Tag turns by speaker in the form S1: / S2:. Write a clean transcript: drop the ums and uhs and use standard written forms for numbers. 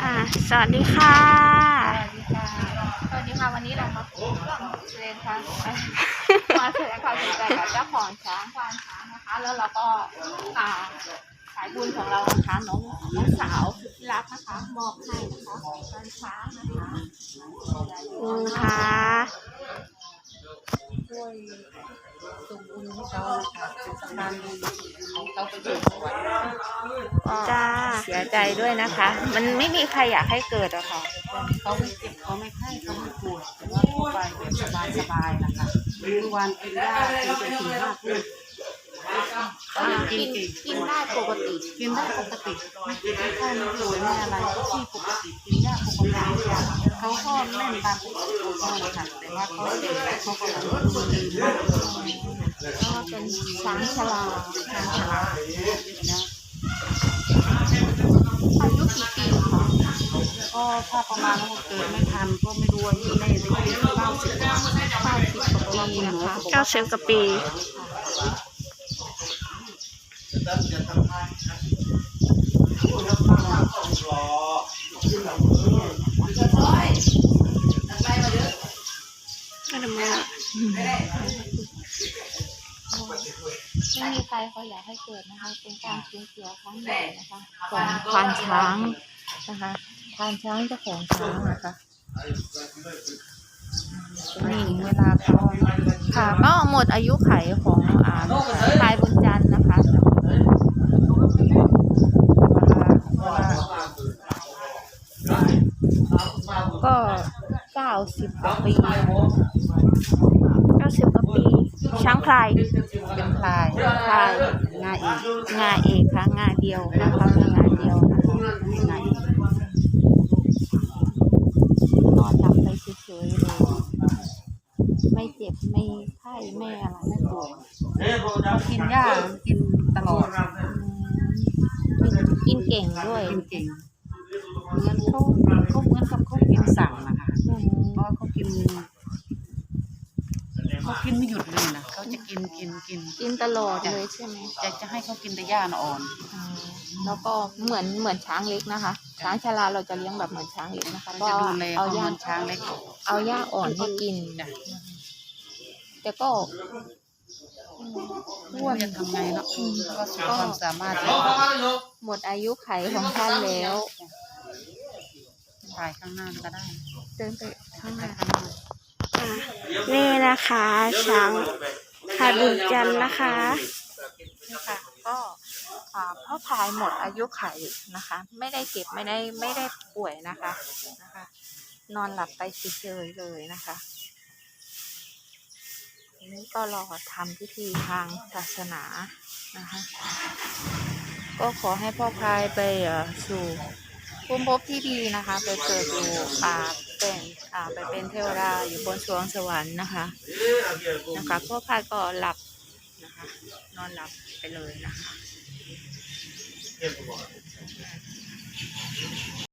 S1: สวัสดีค่ะ
S2: สวัสดีค่ะวันนี้เรามาแสดงความมาแสดงความสนใจกับเจ้าของช้างควานช้างนะคะแล้วเราก็สายบุญของเรานะคะน้องสาวสุดที่รักนะคะมอบให้นะคะควานช้างนะคะช่วยส่งบุญให้เขานะคะเป็นสะพานบุญของเขาไปสู่สวรรค์
S1: จ้า
S2: เสียใจด้วยนะคะ มันไม่มีใครอยากให้เกิดอะค่ะ
S3: เขาไม่เจ็บเขาไม่ไข้เขาไม่ปวดแต่ว่าทั่วไปแบบสบายๆนะคะคือวันกินได้กินไปถึง5 ทุ่ม
S2: กินได้ปกติ
S3: กินได้ปกติไม่เจ็บไม่ไข้ไม่ป่วยไม่อะไรที่ปกติกินยาปกติเขาก็เล่นตามปกติของเขาค่ะแต่ว่าเขาเด็กเขาก็แบบดีมาก
S2: ก็เป็นช้างชรา
S3: นะ
S2: อายุกี่ปีคะ
S3: ก็ถ้าประมาณว่าเกิดไม่ทันก็ไม่รู้ว่าที่แน่จะเป็น90 กว่า
S2: ปีนะคะ
S1: 90 กว่าปี
S2: ไม่มีใครเขาอยากให้เกิดนะคะเป็นการสูญเสียครั้งใหญ่นะคะของควานช้างนะคะควานช้างเจ้าของช้างนะคะ
S3: นี่เวลาเขา
S2: ค่ะก็หมดอายุไขของพลายบุญจันทร์นะคะก็90 กว่าปี
S1: 90 กว่าปีช้างพลาย
S3: เป็นพลายงาเอก
S2: งาเอกค่ะงาเดียวนะคะงาเดียวนะคะ
S3: งาเอก
S2: นอนหลับไปเฉยๆเลยไม่เจ็บไม่ไข้ไม่อะไรไม่ปวด
S3: เขากินหญ้ากินตลอด
S2: กินเก่งด้วย
S3: กินเก่งเหมือนเขาเหมือนกับเขากินสั่งนะคะเพราะเขากินไม่หยุดเลยนะเขาจะกิน
S2: ตลอดเลยใช่ไหม
S3: จะให้เขากินแต่หญ้าอ่อน
S2: แล้วก็เหมือนช้างเล็กนะคะช้างชราเราจะเลี้ยงแบบเหมือนช้างเล็กนะคะก็
S3: เอาหญ้าช้างเล็ก
S2: เอาหญ้าอ่อนให้กินแต่ก็
S3: อ้วนจะทำไงเนาะก็สุดความสามารถ
S2: หมดอายุไขของท่านแล้ว
S3: ถ่ายข้างหน้าก็ได้
S2: เดินไปข้างหน้า
S1: นี่นะคะช้างพลายบุญจันทร์นะคะ
S2: ก็พ่อพายหมดอายุไขนะคะ ไม่ได้เจ็บไม่ได้ป่วยนะคะนอนหลับไปเฉยๆเลยนะคะนี่ก็รอทำพิธีทางศาสนานะคะก็ขอให้พ่อพายไปสู่ภูมิภพที่ดีนะคะไปเกิดอยู่ไปเป็นเทวดาอยู่บนสวงสวรรค์นะคะพ่อพายก็หลับนะคะนอนหลับไปเลยนะคะ